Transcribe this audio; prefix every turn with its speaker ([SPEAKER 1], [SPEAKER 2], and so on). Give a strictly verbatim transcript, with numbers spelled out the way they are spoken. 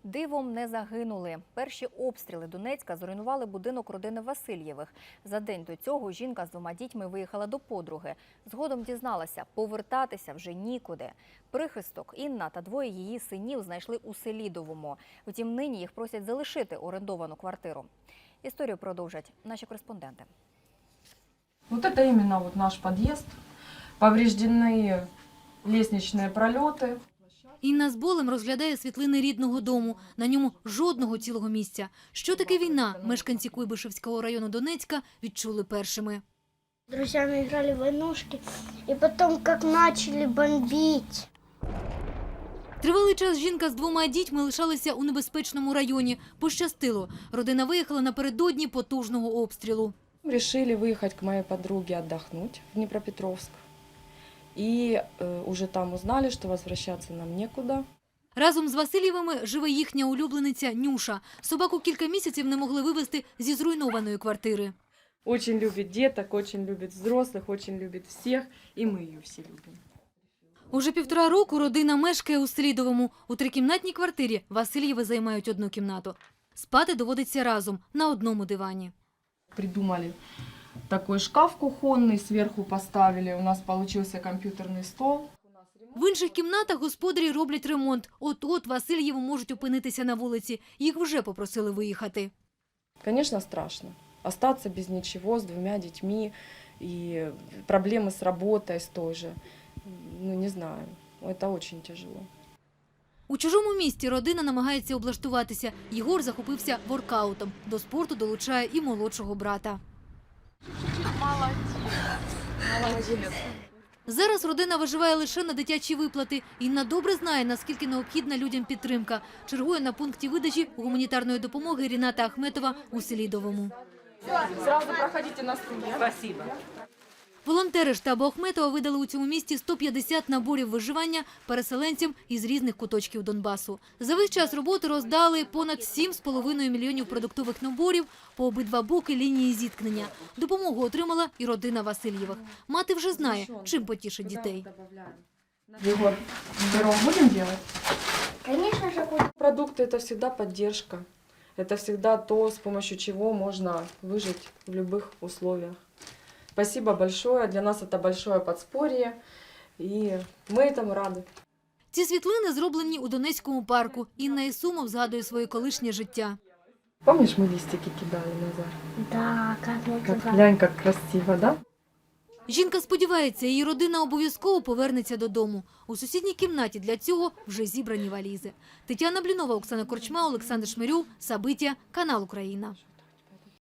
[SPEAKER 1] Дивом не загинули. Перші обстріли Донецька зруйнували будинок родини Васильєвих. За день до цього жінка з двома дітьми виїхала до подруги. Згодом дізналася, повертатися вже нікуди. Прихисток Інна та двоє її синів знайшли у Селідовому. Втім, нині їх просять залишити орендовану квартиру. Історію продовжать наші кореспонденти.
[SPEAKER 2] Вот это именно вот наш подъезд. Повреждены лестничные пролеты.
[SPEAKER 3] Інна з болем розглядає світлини рідного дому. На ньому жодного цілого місця. Що таке війна, мешканці Куйбишевського району Донецька відчули першими.
[SPEAKER 4] С друзьями играли в войнушки, и потом как начали бомбить.
[SPEAKER 3] Тривалий час жінка з двома дітьми лишалася у небезпечному районі. Пощастило. Родина виїхала напередодні потужного обстрілу.
[SPEAKER 2] Решили выехать к моей подруге отдохнуть в Днепропетровск. И э, уже там узнали, что возвращаться нам некуда.
[SPEAKER 3] Разом з Васильєвими живе їхня улюблениця Нюша. Собаку кілька місяців не могли вивезти зі зруйнованої квартири.
[SPEAKER 2] Очень любит деток, очень любит взрослых, очень любит всех. И мы ее все любим.
[SPEAKER 3] Уже півтора року родина мешкає у Селідовому. У трикімнатній квартирі Васильєви займають одну кімнату. Спати доводиться разом на одному дивані.
[SPEAKER 2] Придумали такой шкаф кухонный, сверху поставили. У нас получился компьютерный стол.
[SPEAKER 3] В інших кімнатах господарі роблять ремонт. От-от Васильєви можуть опинитися на вулиці. Їх вже попросили виїхати.
[SPEAKER 2] Конечно, страшно. Остаться без ничего, с двумя детьми. И проблемы с работой, с той же. Ну, не знаю. Это очень тяжело.
[SPEAKER 3] У чужому місті родина намагається облаштуватися. Єгор захопився воркаутом. До спорту долучає і молодшого брата.
[SPEAKER 2] Молодец.
[SPEAKER 3] Зараз родина виживає лише на дитячі виплати. Інна добре знає, наскільки необхідна людям підтримка. Чергує на пункті видачі гуманітарної допомоги Ріната Ахметова у Селідовому.
[SPEAKER 2] Сразу проходите на студию. Спасибо.
[SPEAKER 3] Волонтери штабу Ахметова видали у цьому місті сто п'ятдесят наборів виживання переселенцям із різних куточків Донбасу. За весь час роботи роздали понад сім з половиною мільйонів продуктових наборів по обидва боки лінії зіткнення. Допомогу отримала і родина Васильєвих. Мати вже знає, чим потішить дітей.
[SPEAKER 2] Егор, пирог будем делать?
[SPEAKER 4] Конечно же, будет.
[SPEAKER 2] Продукты – это всегда поддержка. Это всегда то, с помощью чего можно выжить в любых условиях. Спасибо большое. Для нас это большое подспорье. И мы этому рады.
[SPEAKER 3] Ці світлини зроблені у Донецькому парку. Інна Ісумов згадує своє колишнє життя.
[SPEAKER 2] Помнишь, мы листики кидали, Назар?
[SPEAKER 4] Да, как мы
[SPEAKER 2] Как,
[SPEAKER 4] туда.
[SPEAKER 2] глянь, как красиво, да?
[SPEAKER 3] Жінка сподівається, її родина обов'язково повернеться додому. У сусідній кімнаті для цього вже зібрані валізи. Тетяна Блінова, Оксана Корчма, Олександр Шмирю, Сабиття, канал Україна.